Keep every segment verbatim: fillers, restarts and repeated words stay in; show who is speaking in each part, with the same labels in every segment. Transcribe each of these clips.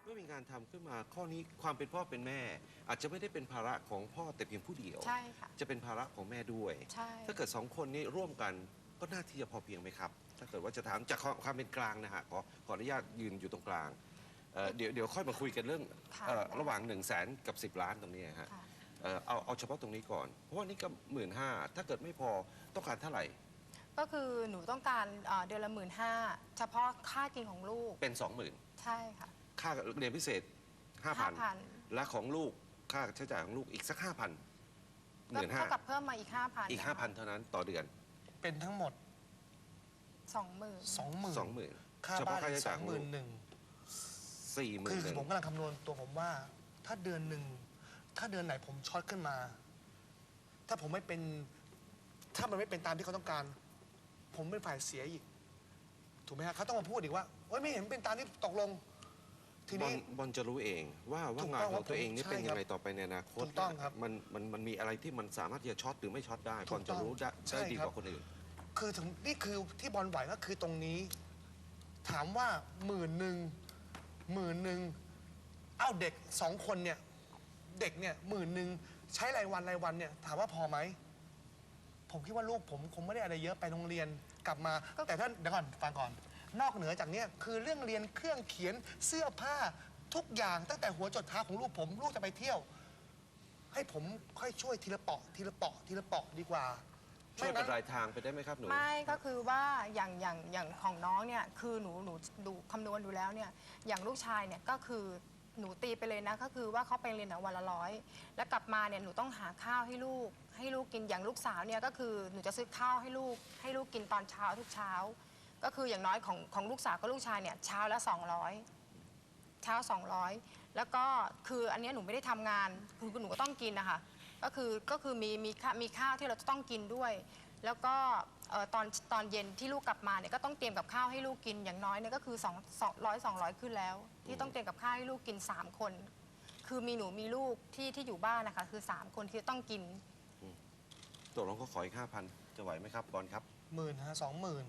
Speaker 1: มื่อมีงานทำขึ้นมาข้อนี้ความเป็นพ่อเป็นแม่ อาจจะไม่ได้เป็นภาระของพ่อแต่เพียงผู้เดียว
Speaker 2: ใช่ค่ะ
Speaker 1: จะเป็นภาระของแม่ด้วย
Speaker 2: ใช่
Speaker 1: ถ้าเกิดสองคนนี้ร่วมกันก็น่าที่จะพอเพียงไหมครับถ้าเกิดว่าจะถามจากความเป็นกลางนะฮะขอขออนุญาตยืนอยู่ตรงกลางเดี๋ยวเดี๋ยวค่อยมาคุยกันเรื่องระหว่างหนึ่งแสนกับสิบล้านตรงนี้ฮะเอาเอาเฉพาะตรงนี้ก่อนเพราะว่านี่ก็หมื่นห้าถ้าเกิดไม่พอต้องการเท่าไหร่
Speaker 2: ก็คือหนูต้องการเดือนละหมื่นห้าเฉพาะค่ากินของลูก
Speaker 1: เป็นสองหมื่น
Speaker 2: ใช่ค่ะ
Speaker 1: ค่าเรียนพิเศษห้าพันและของลูกค่าใช้จ่ายของลูกอีกสักห้าพันหมื่นห้า
Speaker 2: เท่ากับเพิ่มมาอีกห้าพัน
Speaker 1: อีกห้าพันเท่านั้นต่อเดือน
Speaker 3: เป็นทั้งหมด
Speaker 2: สองหมื่น
Speaker 3: สองหมื่น
Speaker 1: สองหมื่น
Speaker 3: ค่าบ้านสองหมื่นหนึ่ง
Speaker 1: สี่หมื่น
Speaker 3: คือผมกำลังคำนวณตัวผมว่าถ้าเดือนหนึ่งถ้าเดือนไหนผมช็อตขึ้นมา ถ้าผมไม่เป็นถ้ามันไม่เป็นตามที่เขาต้องการผมเป็นฝ่ายเสียอีกถูกไหมฮะเขาต้องมาพูดอีกว่าโอ๊ยไม่เห็นเป็นตามที่ตกลงทีนี้
Speaker 1: บอลจะรู้เองว่าว่างานของตัวเองนี่เป็นยังไงต่อไปในอนาคต
Speaker 3: ถูกต้องครับ
Speaker 1: มันมันมันมีอะไรที่มันสามารถที่จะช็อตหรือไม่ช็อตได้บอลจะรู้ได้ดีกว่าคนอื่น
Speaker 3: คือถึงนี่คือที่บอลไหวก็คือตรงนี้ถามว่าหมื่นหนึ่งหมื่นหนึ่งเอ้าเด็กสองคนเนี่ยเด็กเนี่ยหมื่นหนึ่งใช้รายวันรายวันเนี่ยถามว่าพอไหมผมคิดว่าลูกผมคงไม่ได้อะไรเยอะไปโรงเรียนกลับมาแต่ท่านเดี๋ยวก่อนฟังก่อนนอกเหนือจากนี้คือเรื่องเรียนเครื่องเขียนเสื้อผ้าทุกอย่างตั้งแต่หัวจดเท้าของลูกผมลูกจะไปเที่ยวให้ผมค่อยช่วยทีละเปาะทีละเปาะทีละเปาะดีกว่า
Speaker 1: ช่วยเป็นรายทางไปได้ไหมครับหนู
Speaker 2: ไม่ก็คือว่าอย่างอย่างอย่างของน้องเนี่ยคือหนูหนูดูคำนวณดูแล้วเนี่ยอย่างลูกชายเนี่ยก็คือหนูตีไปเลยนะก็คือว่าเขาไปเรียนวันละร้อยแล้วกลับมาเนี่ยหนูต้องหาข้าวให้ลูกให้ลูกกินอย่างลูกสาวเนี่ยก็คือหนูจะซื้อข้าวให้ลูกให้ลูกกินตอนเช้าทุกเช้าก็คืออย่างน้อยของของลูกสาวกับลูกชายเนี่ยเช้าละสองร้อยเช้าสองร้อยแล้วก็คืออันนี้หนูไม่ได้ทำงานคือหนูก็ต้องกินนะคะก็คือก็คือมีมีมีข้าวที่เราจะต้องกินด้วยแล้วก็ตอนตอนเย็นที่ลูกกลับมาเนี่ยก็ต้องเตรียมกับข้าวให้ลูกกินอย่างน้อยเนี่ยก็คือสองสองร้อยสองร้อยขึ้นแล้วที่ต้องเตรียมกับข้าวให้ลูกกินสามคนคือมีหนูมีลูกที่ที่อยู่บ้านนะคะคือสามคนที่ต้องกิน
Speaker 1: ตกลงก็ขออีกห้าพันจะไหวไหมครับบอลครับ
Speaker 3: หมื่นฮะสองหมื่น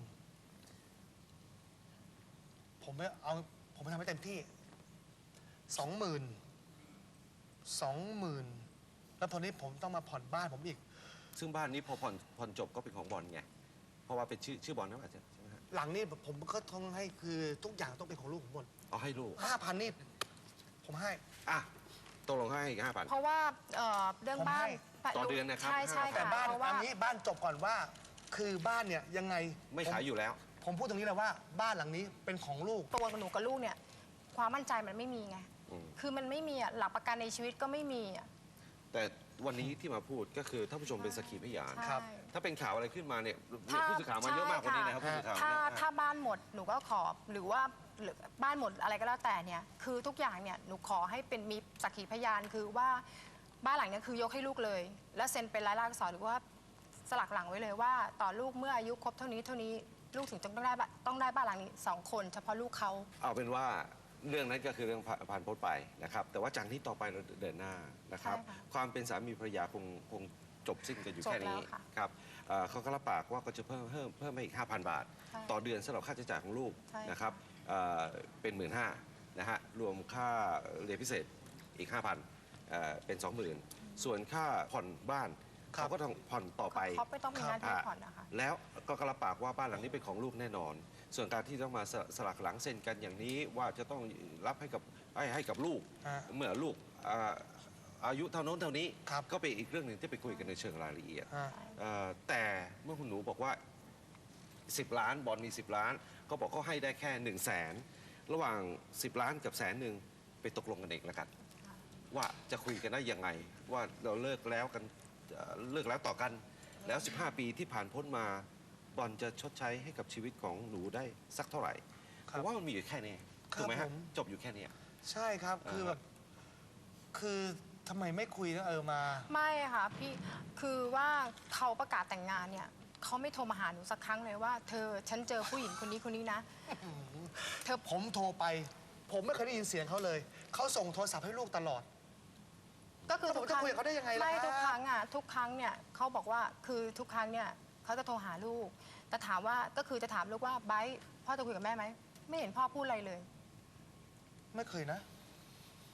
Speaker 3: ผมไม่เอาผมไม่ทำให้เต็มที่สองหมื่นสองหมื่นแล้วพอนี้ผมต้องมาผ่อนบ้านผมอีก
Speaker 1: ซึ่งบ้านนี้พอผ่อนผ่อนจบก็เป็นของบอลไงเพราะว่าเป็นชื่อชื่อบอลนะอาจารย์ใช่ไหมฮะ
Speaker 3: หลังนี้ผมก็ต้องให้คือทุกอย่างต้องเป็นของลูกผมหมด
Speaker 1: เอาให้ลูก
Speaker 3: ห้าพันนี่ผมให้
Speaker 1: อ่ะตกลงให้อีกห้าพัน
Speaker 2: เพราะว่าเรื่องบ้าน
Speaker 1: ต่อเดือนนะครับ
Speaker 2: ใช่ใช่
Speaker 3: แต่บ้านอันนี้บ้านจบก่อนว่าคือบ้านเนี่ยยังไง
Speaker 1: ไม่ขายอยู่แล้ว
Speaker 3: ผมพูดตรงนี้เลยว่าบ้านหลังนี้เป็นของลูก
Speaker 2: ตัวหนูกับลูกเนี่ยความมั่นใจมันไม่มีไงคือมันไม่มีอ่ะหลักประกันในชีวิตก็ไม่มีอ่ะ
Speaker 1: แต่วันนี้ที่มาพูดก็คือท่านผู้ชมเป็นสักขีพยาน
Speaker 2: ครับ
Speaker 1: ถ้าเป็นข่าวอะไรขึ้นมาเนี่ยผู้สื่อข่าวมาเยอะมากกว่านี้นะครับผู้สื่อข่าว
Speaker 2: ถ้าถ้าบ้านหมดหนูก็ขอหรือว่าบ้านหมดอะไรก็แล้วแต่เนี่ยคือทุกอย่างเนี่ยหนูขอให้เป็นมีสักขีพยานคือว่าบ้านหลังนี้คือยกให้ลูกเลยและเซ็นเป็นลายลักษณ์อักษรหรือว่าสลักหลังไว้เลยว่าต่อลูกเมื่ออายุครบเท่านี้เท่านี้ลูกถึงต้องได้ต้องได้บ้านหลังนี้สองคนเฉพาะลูกเขา
Speaker 1: เอาเป็นว่าเรื่องนั้นก็คือเรื่องผ่านพ้นไปนะครับแต่ว่าจากนี้ต่อไปเราเดินหน้านะครับความเป็นสามีภรรยาคงคงจบสิ้นกันอยู่แค่นี้ครับเขาก็รับปากว่าก็จะเพิ่มเพิ่มเพิ่มให้อีก ห้าพัน บาทต่อเดือนสำหรับค่าใช้จ่ายของลูกนะครับเป็นหมื่นห้านะฮะรวมค่าเรียนพิเศษอีก ห้าพัน เป็น สองหมื่น ส่วนค่าผ่อนบ้านเขาก็ต้องผ่อนต่อไป
Speaker 2: เขาไม่ต้องมีหน้าที่ผ่อนนะคะ
Speaker 1: แล้วก็รับปากว่าบ้านหลังนี้เป็นของลูกแน่นอนส่วนการที่ต้องมาสลักหลังเซ็นกันอย่างนี้ว่าจะต้องรับให้กับให้ให้กับลูกเมื่อลูกอายุเท่าโน้นเท่านี้ก็เป็นอีกเรื่องหนึ่งที่ไปคุยกันในเชิงรายละเอียดแต่เมื่อคุณหนูบอกว่าสิบล้านบอลมีสิบล้านก็บอกเขาให้ได้แค่หนึ่งแสนระหว่างสิบล้านกับแสนหนึ่งไปตกลงกันเองแล้วกันว่าจะคุยกันได้ยังไงว่าเราเลิกแล้วกันเลิกแล้วต่อกันแล้วสิบห้าปีที่ผ่านพ้นมาบอลจะชดใช้ให้กับชีวิตของหนูได้สักเท่าไหร่เพราะว่ามันมีอยู่แค่นี้ถูกไหมฮะจบอยู่แค่นี้
Speaker 3: ใช่ครับคือแบบคือทำไมไม่คุยแล้วเออมา
Speaker 2: ไม่ค่ะพี่คือว่าเขาประกาศแต่งงานเนี่ยเขาไม่โทรมาหาหนูสักครั้งเลยว่าเธอฉันเจอผู้หญิงคนนี้คนนี้นะ
Speaker 3: เธอผมโทรไปผมไม่เคยได้ยินเสียงเขาเลยเขาส่งโทรศัพท์ให้ลูกตลอด
Speaker 2: ก็คือทุกครั้ง
Speaker 3: เขาได้ยังไงล่ะ
Speaker 2: ไม่ทุกครั้งอ่ะทุกครั้งเนี่ยเขาบอกว่าคือทุกครั้งเนี่ยเขาจะโทรหาลูกแต่ถามว่าก็คือจะถามลูกว่าไบร์ทพ่อจะคุยกับแม่ไหมไม่เห็นพ่อพูดอะไรเลย
Speaker 3: ไม่เคยนะ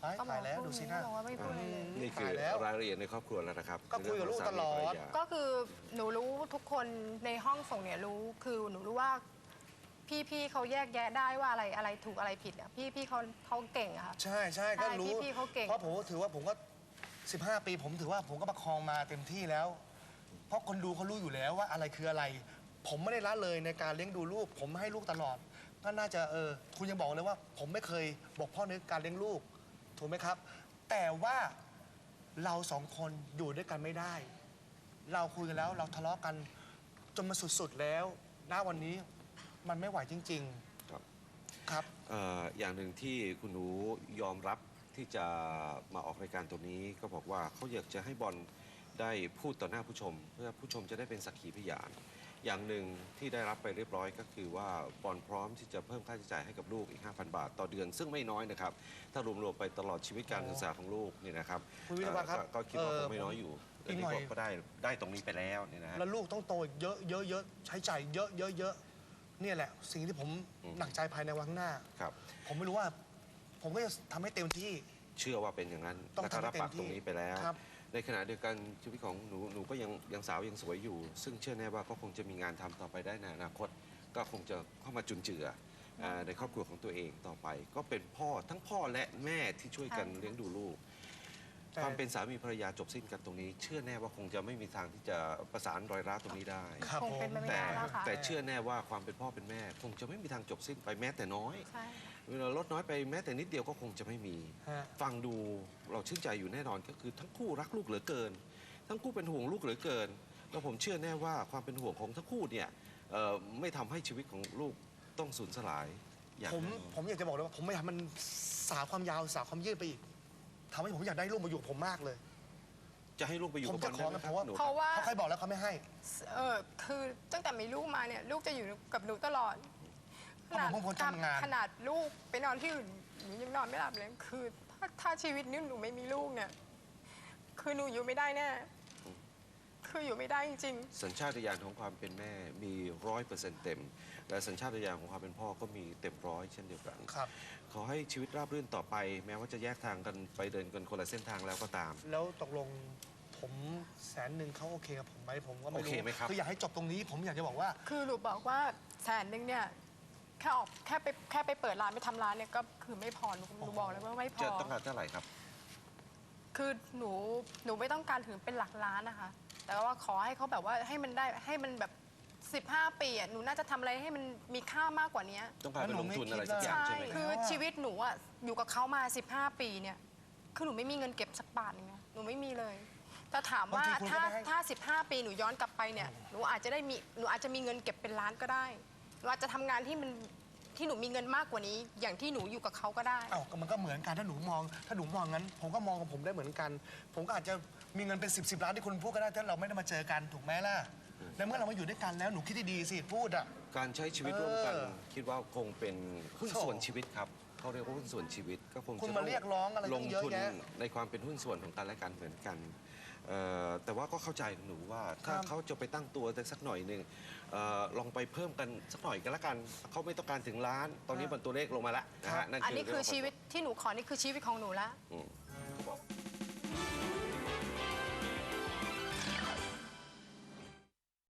Speaker 3: าย
Speaker 2: ก็บอ
Speaker 3: ตาก ยแล้ว
Speaker 2: พู
Speaker 3: ดูสินะ
Speaker 2: บอกว่าไม่พูดอะไรเลย
Speaker 1: นี่คือ
Speaker 3: ตายแล้ว
Speaker 1: รายละเอียดในครอบครัวแล้วนะครับ
Speaker 3: ก็คุยกับลูกตลอด
Speaker 1: เรื่องของสามีภรรยา
Speaker 2: ก็คือหนูรู้ทุกคนในห้องส่งเนี่ยรู้คือหนูรู้ว่าพี่พี่เขาแยกแยะได้ว่าอะไรอะไรถูกอะไรผิดอ่ะพี่พี่เขาเขาเก่งอะค่ะ
Speaker 3: ใช่ใช่ก็รู้
Speaker 2: ใช่พี่ๆเขาเก่ง
Speaker 3: เพราะผมก็ถือว่าผมก็ สิบห้า ปี ผมถือว่าผมก็ประคองมาเต็มที่แล้ว เพราะคนดูเขารู้อยู่แล้วว่าอะไรคืออะไร ผมไม่ได้ละเลยในการเลี้ยงดูลูก ผมให้ลูกตลอด ก็น่าจะเออคุณยังบอกเลยว่า ผมไม่เคยบกพร่องในการเลี้ยงลูก ถูกไหมครับ แต่ว่าเราสองคนอยู่ด้วยกันไม่ได้ เราคุยกันแล้วเราทะเลาะกันจนมาสุดๆแล้วณวันนี้มันไม่ไหวจริง
Speaker 1: ครับ
Speaker 3: ๆ ครับ
Speaker 1: เอ่ออย่างหนึ่งที่คุณหนูยอมรับที่จะมาออกรายการตัวนี้ก็บอกว่าเขาอยากจะให้บอลได้พูดต่อหน้าผู้ชม เพื่อผู้ชมจะได้เป็นสักขีพยาน อย่างหนึ่งที่ได้รับไปเรียบร้อยก็คือว่าบอลพร้อมที่จะเพิ่มค่าใช้จ่ายให้กับลูกอีก ห้าพัน บาทต่อเดือน ซึ่งไม่น้อยนะครับ ถ้ารวมๆไปตลอดชีวิตการศึกษาของลูกนี่นะครับ
Speaker 3: คุณวิทยาวัฒน์ครับ
Speaker 1: เอ่อก็ก็คิดว่า
Speaker 3: เอ่
Speaker 1: ค
Speaker 3: อง
Speaker 1: ไม่น้อยอยู่
Speaker 3: อี
Speaker 1: แต่
Speaker 3: กหน่
Speaker 1: นี่
Speaker 3: อย
Speaker 1: ก็ก็ได้ได้ตรงนี้ไปแล้วเนี่ยนะฮะ
Speaker 3: แล้วลูกต้องโตอีกเยอะเยอะเยอะใช้จ่ายเยอะเยอะเยอะเนี่ยแหละ สิ่งที่ผม
Speaker 1: อืม
Speaker 3: หนักใจภายในวันข้างหน้า
Speaker 1: ครับ
Speaker 3: ผมไม่รู้ว่า ผมก็จะทำให้เต็มที่
Speaker 1: เชื่อว่าเป็นอย่างนั้น
Speaker 3: ต้อง
Speaker 1: และก็รับ
Speaker 3: ทำให้เต็ม
Speaker 1: ปากตรงนี้ไปแล้ว
Speaker 3: ครับ
Speaker 1: ในขณะเดียวกันชีวิตของหนูหนูก็ยังยังสาวยังสวยอยู่ ซึ่งเชื่อแน่ว่าก็คงจะมีงานทำต่อไปได้ในอนาคต ก็คงจะเข้ามาจุนเจืออ่าในครอบครัวของตัวเองต่อไป ก็เป็นพ่อทั้งพ่อและแม่ที่ช่วยกัน
Speaker 2: ใช่
Speaker 1: เลี้ยงดูลูก
Speaker 3: แต่
Speaker 1: ความเป็นสามีภรรยาจบสิ้นกันตรงนี้ เชื่อแน่ว่าคงจะไม่มีทางที่จะประสานรอยร้าวตรงนี้ได้
Speaker 3: ครับ
Speaker 2: คงเป็นไปไม่
Speaker 1: แต่
Speaker 2: ได้แล้วค่ะ
Speaker 1: แต่เชื่อแน่ว่าความเป็นพ่อเป็นแม่ คงจะไม่มีทางจบสิ้นไปแม้แต่น้อย
Speaker 2: ใช่
Speaker 1: เวลาลดน้อยไปแม้แต่นิดเดียวก็คงจะไม่มี
Speaker 3: ฮะ
Speaker 1: ฟังดูเราชื่นใจอยู่แน่นอนก็คือทั้งคู่รักลูกเหลือเกิน ทั้งคู่เป็นห่วงลูกเหลือเกิน แล้วผมเชื่อแน่ว่าความเป็นห่วงของทั้งคู่เนี่ยเอ่อไม่ทำให้ชีวิตของลูกต้องสูญสลายอย่าง
Speaker 3: ผม
Speaker 1: แน่นอน
Speaker 3: ผมอยากจะบอกเลยว่าผมไม่อยากให้มันสาวความยาวสาวความยืดไปอีกทำให้ผมอยากได้ลูกมาอยู่กับผมมากเลย
Speaker 1: จะให้ลูกไปอยู่
Speaker 3: ผม
Speaker 1: กับ
Speaker 3: จะ
Speaker 1: บอลได้ไหม
Speaker 3: ขอ
Speaker 1: ครับ
Speaker 3: นะ
Speaker 1: หนู
Speaker 2: เพราะว่า
Speaker 3: เขาเคยบอกแล้วเขาไม่ให้
Speaker 2: เออคือตั้งแต่มีลูกมาเนี่ยลูกจะอยู่กับหนูตลอด
Speaker 3: เพราะผมเป็นคนทำงาน
Speaker 2: ขนาดลูกไปนอนที่อื่นหนูยังนอนไม่หลับเลยคือถ้าถ้าชีวิตนี้หนูไม่มีลูกเนี่ยคือหนูอยู่ไม่ได้แน่คืออยู่ไม่ได้จริง
Speaker 1: สัญชาตญาณของความเป็นแม่มีร้อยเปอร์เซ็นต์เต็ม และสัญชาตญาณของความเป็นพ่อก็มีเต็มร้อยเช่นเดียวกัน
Speaker 3: ครับ
Speaker 1: ขอให้ชีวิตราบรื่นต่อไป แม้ว่าจะแยกทางกันไปเดินกันคนละเส้นทางแล้วก็ตาม
Speaker 3: แล้วตกลงผมแสนหนึ่งเขาโอเคกับผมไหมผมก็ไม่
Speaker 1: โอ
Speaker 3: รู้
Speaker 1: เคไหมครับ
Speaker 3: คืออยากให้จบตรงนี้ ผมอยากจะบอกว่า
Speaker 2: ๆ คือหนูบอกว่าแสนหนึ่งเนี่ยแค่ออกแค่ไปแค่ไปเปิดร้านไปทำร้านเนี่ยก็คือไม่พอหนูหนูบอกเลยว่าไม่พ
Speaker 1: จะ
Speaker 2: อ
Speaker 1: ต้องการเท่าไหร่ครับ
Speaker 2: คือหนูหนูไม่ต้องการถึงเป็นหลักล้านนะคะ แต่ว่าขอให้เขาแบบว่าให้มันได้ให้มันแบบ สิบห้า ปีอ่ะหนูน่าจะทำอะไรให้มันมีค่ามากกว่านี้
Speaker 1: ต้องการไปลงทุนอะไรสักอย่าง
Speaker 2: ใช่
Speaker 1: ใช่ไหม
Speaker 2: คือชีวิตหนูอ่ะอยู่กับเขามา สิบห้า ปีเนี่ยคือหนูไม่มีเงินเก็บสักบาทนึงนะหนูไม่มีเลยแต่ถามว่า
Speaker 3: บางทีคุณก็
Speaker 2: ถ้า
Speaker 3: ได้ให้
Speaker 2: ถ้า สิบห้า ปีหนูย้อนกลับไปเนี่ยหนูอาจจะได้มีหนูอาจจะมีเงินเก็บเป็นล้านก็ได้หนูอาจจะทำงานที่มันที่หนูมีเงินมากกว่านี้ อย่างที่หนูอยู่กับเขาก็ได้
Speaker 3: เอ้าก็มันก็เหมือนกันถ้าหนูมอง ถ้าหนูมองงั้น ผมก็มองกับผมได้เหมือนกัน ผมก็อาจจะมีเงินเป็นสิบสิบล้านที่คุณพูดก็ได้ถ้าเราไม่ได้มาเจอกันถูกไหมล่ะในเมื่อเรามาอยู่ด้วยกันแล้วหนูคิดดีๆสิพูดอ่ะ
Speaker 1: การใช้ชีวิตร่วมกัน
Speaker 3: เออ
Speaker 1: คิดว่าคงเป็นหุ้น
Speaker 3: โถ่
Speaker 1: ส่วนชีวิตครับเขาเรียกว่าหุ้นส่วนชีวิตก็คง
Speaker 3: คุณ
Speaker 1: จะ
Speaker 3: มา
Speaker 1: ต้
Speaker 3: เรียกร้องอะไร
Speaker 1: ล
Speaker 3: ตั้
Speaker 1: ง
Speaker 3: งเยอะ
Speaker 1: ทุน
Speaker 3: แยะ
Speaker 1: ในความเป็นหุ้นส่วนของกันและกันเหมือนกันเอ่อแต่ว่าก็เข้าใจหนูว่าถ้า
Speaker 3: ครับ
Speaker 1: เขาจะไปตั้งตัวสักหน่อยหนึ่งเออลองไปเพิ่มกันสักหน่อยกันละกันเขาไม่ต้องการถึงล้าน ตอนนี้มันตัวเลขลงมาแล้วนะ
Speaker 3: ครั
Speaker 1: ฮะ
Speaker 3: บ
Speaker 1: นั่น
Speaker 2: อันนี้คือ
Speaker 1: เรื่ง
Speaker 2: ชีวิตที่หนูขอนี่คือชีวิตของหนูละ
Speaker 1: อืม